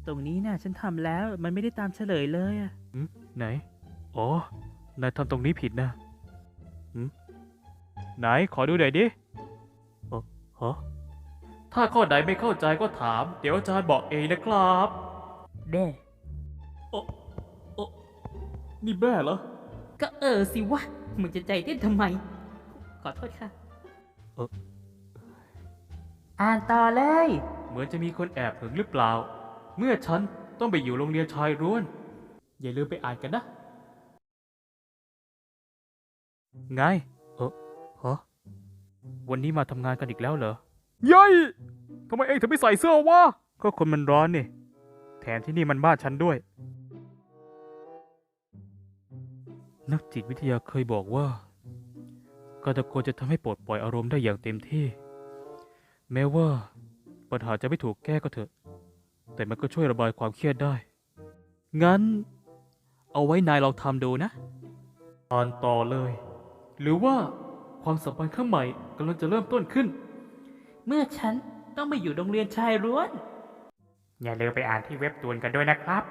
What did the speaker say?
ตรงนี้น่ะฉันทำแล้วมันไม่ได้ตามเฉลยเลยอะไหนอ๋อนายทำตรงนี้ผิดนะไหนขอดูหน่อยดิฮะถ้าข้อใดไม่เข้าใจก็ถามเดี๋ยวอาจารย์บอกเองนะครับแด่โอ้โอ้นี่แม่เหรอก็สิวะมึงจะใจเต้นทำไม ขอโทษค่ะอ่านต่อเลยเหมือนจะมีคนแอบหึงหรือเปล่า เมื่อฉันต้องไปอยู่โรงเรียนชายล้วน อย่าลืมไปอ่านกันนะ ไงฮะวันนี้มาทำงานกันอีกแล้วเหรอยัยทำไมเองถึงไม่ใส่เสื้อวะ ก็คนมันร้อนนี่ แถมที่นี่มันบ้านฉันด้วย นักจิตวิทยาเคยบอกว่า การตะโกนจะทำให้ปลดปล่อยอารมณ์ได้อย่างเต็มที่ แม้ว่าปัญหาจะไม่ถูกแก้ก็เถอะ แต่มันก็ช่วยระบายความเครียดได้ งั้น เอาไว้นายลองทำดูนะอ่านต่อเลย หรือว่าความสัมพันธ์ข้างใหม่กำลังจะเริ่มต้นขึ้นเมื่อฉันต้องไปอยู่โรงเรียนชายล้วนอย่าลืมไปอ่านที่เว็บตูนกันด้วยนะครับ